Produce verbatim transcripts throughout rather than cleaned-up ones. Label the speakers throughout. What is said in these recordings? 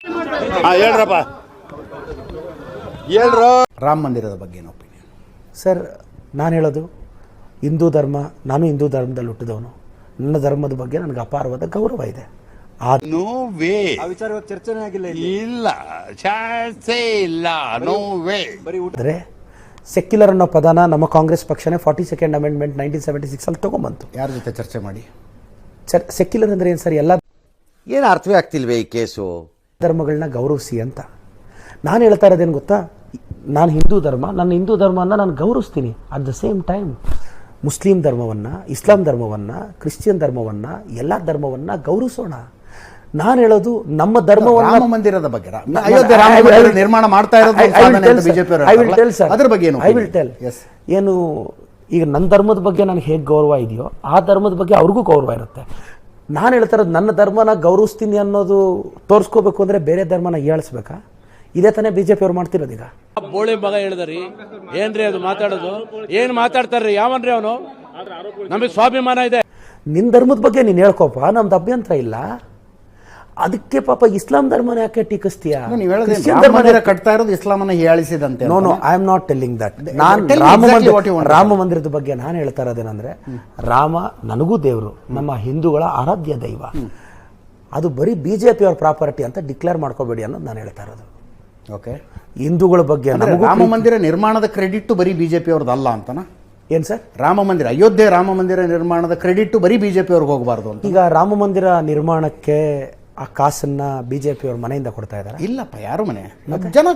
Speaker 1: ಹೇಳ್ರಪ್ಪ ಹೇಳ್ರು. ರಾಮ ಮಂದಿರದ ಬಗ್ಗೆ ಏನು ಒಪಿನಿಯನ್
Speaker 2: ಸರ್? ನಾನು ಹೇಳೋದು ಹಿಂದೂ ಧರ್ಮ, ನಾನು ಹಿಂದೂ ಧರ್ಮದಲ್ಲಿ ಹುಟ್ಟಿದವನು. ನನ್ನ ಧರ್ಮದ ಬಗ್ಗೆ ನನಗೆ ಅಪಾರವಾದ ಗೌರವ ಇದೆ.
Speaker 1: ನೋ ವೇ
Speaker 3: ವಿಚಾರ ಚರ್ಚೆನೇ ಆಗಿಲ್ಲ,
Speaker 1: ಇಲ್ಲ ಚಾನ್ಸೇ ಇಲ್ಲ, ನೋ ವೇ.
Speaker 2: ಆದರೆ ಸೆಕ್ಯುಲರ್ ಅನ್ನೋ ಪದನ ನಮ್ಮ ಕಾಂಗ್ರೆಸ್ ಪಕ್ಷನೇ forty second amendment nineteen seventy six ಅಲ್ಲಿ ತಗೊಂಬಂತು.
Speaker 1: ಯಾರ ಜೊತೆ ಚರ್ಚೆ ಮಾಡಿ?
Speaker 2: ಸರ್, ಸೆಕ್ಯುಲರ್ ಅಂದ್ರೆ ಏನು ಸರ್? ಎಲ್ಲ
Speaker 4: ಏನು ಅರ್ಥವೇ ಆಗ್ತಿಲ್ವೇ ಈ ಕೇಸು?
Speaker 2: ಧರ್ಮಗಳನ್ನ ಗೌರವಿಸಿ ಅಂತ ನಾನು ಹೇಳ್ತಾ ಇರೋದೇನು ಗೊತ್ತಾ? ನಾನು ಹಿಂದೂ ಧರ್ಮ, ನನ್ನ ಹಿಂದೂ ಧರ್ಮವನ್ನು ನಾನು ಗೌರವಿಸ್ತೀನಿ. At the same time Muslim ಧರ್ಮವನ್ನು, ಇಸ್ಲಾಂ ಧರ್ಮವನ್ನು, ಕ್ರಿಶ್ಚಿಯನ್ ಧರ್ಮವನ್ನು, ಎಲ್ಲ ಧರ್ಮವನ್ನು ಗೌರವಿಸೋಣ. ನಾನು ಹೇಳೋದು ನಮ್ಮ ಧರ್ಮವನ್ನು.
Speaker 1: ರಾಮ ಮಂದಿರದ ಬಗ್ಗೆ, ಅಯೋಧ್ಯೆ ರಾಮ ಮಂದಿರ ನಿರ್ಮಾಣ ಮಾಡ್ತಾ ಇರೋದು ಬಿಜೆಪಿ, ಅದ್ರ ಬಗ್ಗೆ ಏನು?
Speaker 2: I will tell. ಏನು ಈಗ ನನ್ನ ಧರ್ಮದ ಬಗ್ಗೆ ನನಗೆ ಹೇಗೆ ಗೌರವ ಇದೆಯೋ ಆ ಧರ್ಮದ ಬಗ್ಗೆ ಅವ್ರಿಗೂ ಗೌರವ ಇರುತ್ತೆ. ನಾನು ಹೇಳ್ತಾ ಇರೋದು ನನ್ನ ಧರ್ಮನ ಗೌರವಿಸ್ತೀನಿ ಅನ್ನೋದು ತೋರಿಸ್ಕೋಬೇಕು ಅಂದರೆ ಬೇರೆ ಧರ್ಮನ ಹೀಯಾಳಿಸ್ಬೇಕಾ? ಇದೇ ತಾನೇ ಬಿಜೆಪಿ ಅವ್ರು ಮಾಡ್ತಿರೋದು. ಈಗ
Speaker 5: ಬೋಳಿ ಮಗ ಹೇಳಿದ್ರಿ ಏನ್ರಿ ಅದು ಮಾತಾಡೋದು? ಏನ್ ಮಾತಾಡ್ತಾರ್ರಿ? ಯಾವನ್ರಿ ಅವನು? ನಮಗೆ ಸ್ವಾಭಿಮಾನ ಇದೆ. ನಿನ್ನ
Speaker 2: ಧರ್ಮದ ಬಗ್ಗೆ ನೀನು ಹೇಳ್ಕೋಪ, ನಮ್ದು ಅಭ್ಯಂತರ ಇಲ್ಲ. ಅದಕ್ಕೆ ಪಾಪ ಇಸ್ಲಾಂ ಧರ್ಮನ ಯಾಕೆ ಟೀಕಿಸ್ತೀಯಾ?
Speaker 1: ಕಟ್ತಾ ಇರೋದು ಇಸ್ಲಾಮನ್ನ ಹೀಯಾಳಿಸಿದಂತೆ.
Speaker 2: No no I am not telling that. ನಾನು ರಾಮ ಮಂದಿರ ರಾಮ ಮಂದಿರದ ಬಗ್ಗೆ ನಾನು ಹೇಳ್ತಾ ಇರೋದೇನಂದ್ರೆ, ರಾಮ ನನಗೂ ದೇವರು, ನಮ್ಮ ಹಿಂದೂಗಳ ಆರಾಧ್ಯ ದೈವ. ಅದು ಬರೀ ಬಿಜೆಪಿ ಅವ್ರ ಪ್ರಾಪರ್ಟಿ ಅಂತ ಡಿಕ್ಲೇರ್ ಮಾಡ್ಕೋಬೇಡಿ ಅನ್ನೋದು ನಾನು ಹೇಳ್ತಾ ಇರೋದು.
Speaker 1: ಓಕೆ,
Speaker 2: ಹಿಂದೂಗಳ ಬಗ್ಗೆ
Speaker 1: ರಾಮ ಮಂದಿರ ನಿರ್ಮಾಣದ ಕ್ರೆಡಿಟ್ ಬರೀ ಬಿಜೆಪಿ ಅವ್ರದ್ದು ಅಲ್ಲ ಅಂತನಾ?
Speaker 2: ಏನ್ ಸರ್?
Speaker 1: ರಾಮ ಮಂದಿರ, ಅಯೋಧ್ಯೆ ರಾಮ ಮಂದಿರ ನಿರ್ಮಾಣದ ಕ್ರೆಡಿಟ್ ಬರೀ ಬಿಜೆಪಿ ಅವ್ರಿಗೆ ಹೋಗಬಾರ್ದು ಅಂತ.
Speaker 2: ಈಗ ರಾಮ ಮಂದಿರ ನಿರ್ಮಾಣಕ್ಕೆ ಆ ಕಾಸನ್ನ ಬಿಜೆಪಿ ಅವ್ರ ಮನೆಯಿಂದ ಕೊಡ್ತಾ ಇದಾರೆ?
Speaker 1: ಇಲ್ಲಪ್ಪ, ಯಾರು ಮನೆ? ಜನ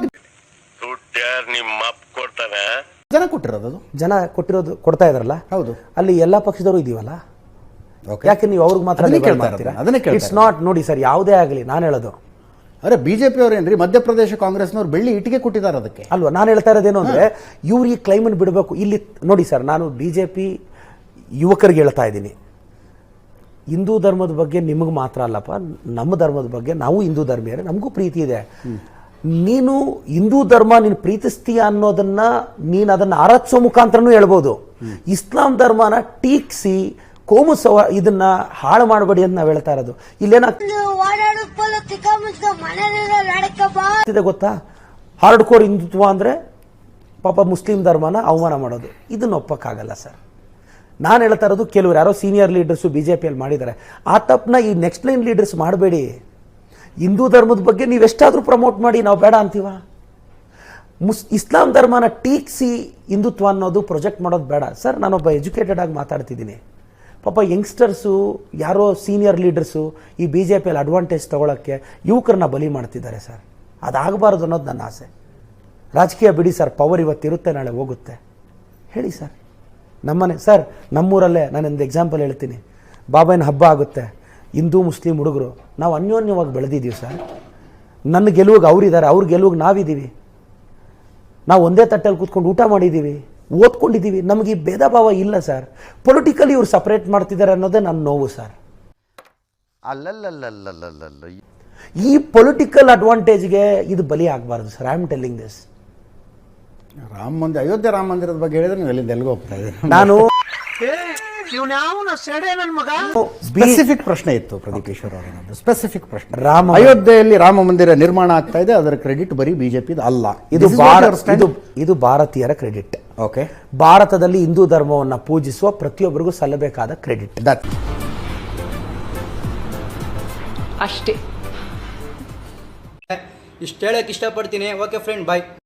Speaker 1: ಜನ ಕೊಟ್ಟಿರೋದು, ಜನ
Speaker 2: ಕೊಟ್ಟಿರೋದು ಕೊಡ್ತಾ ಇದಾರಲ್ಲ.
Speaker 1: ಹೌದು,
Speaker 2: ಅಲ್ಲಿ ಎಲ್ಲಾ ಪಕ್ಷದವರು ಇದೀವಲ್ಲ, ಯಾಕೆ ನೀವು ಅವ್ರಿಗೆ ಮಾತ್ರ ಇಟ್ಸ್ ನಾಟ್? ನೋಡಿ ಸರ್, ಯಾವುದೇ ಆಗಲಿ ನಾನು ಹೇಳೋದು,
Speaker 1: ಅರೆ ಬಿಜೆಪಿ ಅವ್ರು ಏನ್ರಿ ಮಧ್ಯಪ್ರದೇಶ ಕಾಂಗ್ರೆಸ್ನವ್ರು ಬೆಳ್ಳಿ ಇಟ್ಟಿಗೆ ಕೊಟ್ಟಿದ್ದಾರೆ ಅದಕ್ಕೆ
Speaker 2: ಅಲ್ವಾ? ನಾನು ಹೇಳ್ತಾ ಇರೋದೇನು ಅಂದ್ರೆ, ಇವ್ರು ಈ ಕ್ಲೈಮನ್ನು ಬಿಡಬೇಕು. ಇಲ್ಲಿ ನೋಡಿ ಸರ್, ನಾನು ಬಿಜೆಪಿ ಯುವಕರಿಗೆ ಹೇಳ್ತಾ ಇದ್ದೀನಿ, ಹಿಂದೂ ಧರ್ಮದ ಬಗ್ಗೆ ನಿಮಗೆ ಮಾತ್ರ ಅಲ್ಲಪ್ಪ, ನಮ್ಮ ಧರ್ಮದ ಬಗ್ಗೆ ನಾವು ಹಿಂದೂ ಧರ್ಮೀಯರೇ, ನಮಗೂ ಪ್ರೀತಿ ಇದೆ. ನೀನು ಹಿಂದೂ ಧರ್ಮ ನೀನು ಪ್ರೀತಿಸ್ತೀಯ ಅನ್ನೋದನ್ನ ನೀನು ಅದನ್ನ ಆರಾಧಿಸೋ ಮುಖಾಂತರನೂ ಹೇಳ್ಬೋದು. ಇಸ್ಲಾಂ ಧರ್ಮನ ಟೀಕ್ಸಿ ಕೋಮು ಸವ ಇದನ್ನ ಹಾಳು ಮಾಡಬೇಡಿ ಅಂತ ನಾವು ಹೇಳ್ತಾ ಇರೋದು. ಇಲ್ಲೇನಾಗ್ತಿದೆ ಗೊತ್ತಾ? ಹಾರ್ಡ್ ಕೋರ್ ಹಿಂದುತ್ವ ಅಂದ್ರೆ ಪಾಪ ಮುಸ್ಲಿಂ ಧರ್ಮನ ಅವಮಾನ ಮಾಡೋದು. ಇದನ್ನ ಒಪ್ಪಕ್ಕಾಗಲ್ಲ ಸರ್. ನಾನು ಹೇಳ್ತಾ ಇರೋದು, ಕೆಲವರು ಯಾರೋ ಸೀನಿಯರ್ ಲೀಡರ್ಸು ಬಿಜೆಪಿಯಲ್ಲಿ ಮಾಡಿದ್ದಾರೆ, ಆ ತಪ್ಪನ್ನ ಈ ನೆಕ್ಸ್ಟ್ ಲೈನ್ ಲೀಡರ್ಸ್ ಮಾಡಬೇಡಿ. ಹಿಂದೂ ಧರ್ಮದ ಬಗ್ಗೆ ನೀವು ಎಷ್ಟಾದರೂ ಪ್ರಮೋಟ್ ಮಾಡಿ, ನಾವು ಬೇಡ ಅಂತೀವ. ಮುಸ್ ಇಸ್ಲಾಂ ಧರ್ಮನ ಟೀಕ್ಸಿ ಹಿಂದುತ್ವ ಅನ್ನೋದು ಪ್ರೊಜೆಕ್ಟ್ ಮಾಡೋದು ಬೇಡ ಸರ್. ನಾನೊಬ್ಬ ಎಜುಕೇಟೆಡ್ ಆಗಿ ಮಾತಾಡ್ತಿದ್ದೀನಿ. ಪಾಪ ಯಂಗ್ಸ್ಟರ್ಸು, ಯಾರೋ ಸೀನಿಯರ್ ಲೀಡರ್ಸು ಈ ಬಿ ಜೆ ಪಿಯಲ್ಲಿ ಅಡ್ವಾಂಟೇಜ್ ತೊಗೊಳಕ್ಕೆ ಯುವಕರನ್ನ ಬಲಿ ಮಾಡ್ತಿದ್ದಾರೆ ಸರ್. ಅದಾಗಬಾರ್ದು ಅನ್ನೋದು ನನ್ನ ಆಸೆ. ರಾಜಕೀಯ ಬಿಡಿ ಸರ್, ಪವರ್ ಇವತ್ತಿರುತ್ತೆ, ನಾಳೆ ಹೋಗುತ್ತೆ. ಹೇಳಿ ಸರ್. ನಮ್ಮನೆ ಸರ್, ನಮ್ಮೂರಲ್ಲೇ ನಾನೊಂದು ಎಕ್ಸಾಂಪಲ್ ಹೇಳ್ತೀನಿ. ಬಾಬಾಯಿನ ಹಬ್ಬ ಆಗುತ್ತೆ, ಹಿಂದೂ ಮುಸ್ಲಿಂ ಹುಡುಗರು ನಾವು ಅನ್ಯೋನ್ಯವಾಗಿ ಬೆಳೆದಿದ್ದೀವಿ ಸರ್. ನನ್ನ ಗೆಲುವಿಗೆ ಅವರಿದ್ದಾರೆ, ಅವ್ರ ಗೆಲುವಿಗೆ ನಾವಿದ್ದೀವಿ. ನಾವು ಒಂದೇ ತಟ್ಟೆಯಲ್ಲಿ ಕೂತ್ಕೊಂಡು ಊಟ ಮಾಡಿದ್ದೀವಿ, ಓದ್ಕೊಂಡಿದ್ದೀವಿ. ನಮಗೆ ಈ ಭೇದ ಭಾವ ಇಲ್ಲ ಸರ್. ಪೊಲಿಟಿಕಲಿ ಇವ್ರು ಸಪರೇಟ್ ಮಾಡ್ತಿದ್ದಾರೆ ಅನ್ನೋದೇ ನನ್ನ ನೋವು ಸರ್. ಈ ಪೊಲಿಟಿಕಲ್ ಅಡ್ವಾಂಟೇಜ್ಗೆ ಇದು ಬಲಿ ಆಗಬಾರ್ದು sir. I am telling this.
Speaker 1: Rama Mandir, Ayodhya Rama ಮಂದಿರದ ಬಗ್ಗೆ ಹೇಳಿದ್ರೆ ನೀವು ಎಲ್ಲಿಂದ ಎಲ್ಲಿಗೆ ಹೋಗ್ತಾ ಇದ್ದೀರಿ?
Speaker 2: ನಾನು
Speaker 1: ಸ್ಪೆಸಿಫಿಕ್ ಪ್ರಶ್ನೆ ಇತ್ತು ಪ್ರದೀಪ್ ಈಶ್ವರ್ ಅವರ ಸ್ಪೆಸಿಫಿಕ್ ಪ್ರಶ್ನೆ.
Speaker 2: ರಾಮ
Speaker 1: ಅಯೋಧ್ಯೆಯಲ್ಲಿ ರಾಮ ಮಂದಿರ ನಿರ್ಮಾಣ ಆಗ್ತಾ ಇದೆ, ಅದರ ಕ್ರೆಡಿಟ್ ಬರೀ ಬಿಜೆಪಿ ಅಲ್ಲ.
Speaker 2: ಇದು ಇದು ಭಾರತೀಯರ ಕ್ರೆಡಿಟ್.
Speaker 1: ಓಕೆ,
Speaker 2: ಭಾರತದಲ್ಲಿ ಹಿಂದೂ ಧರ್ಮವನ್ನ ಪೂಜಿಸುವ ಪ್ರತಿಯೊಬ್ಬರಿಗೂ ಸಲ್ಲಬೇಕಾದ ಕ್ರೆಡಿಟ್.
Speaker 1: ದಟ್
Speaker 3: ಅಷ್ಟೇ. ಇಷ್ಟು ಹೇಳಕ್ ಇಷ್ಟಪಡ್ತೀನಿ. ಓಕೆ ಫ್ರೆಂಡ್, ಬಾಯ್.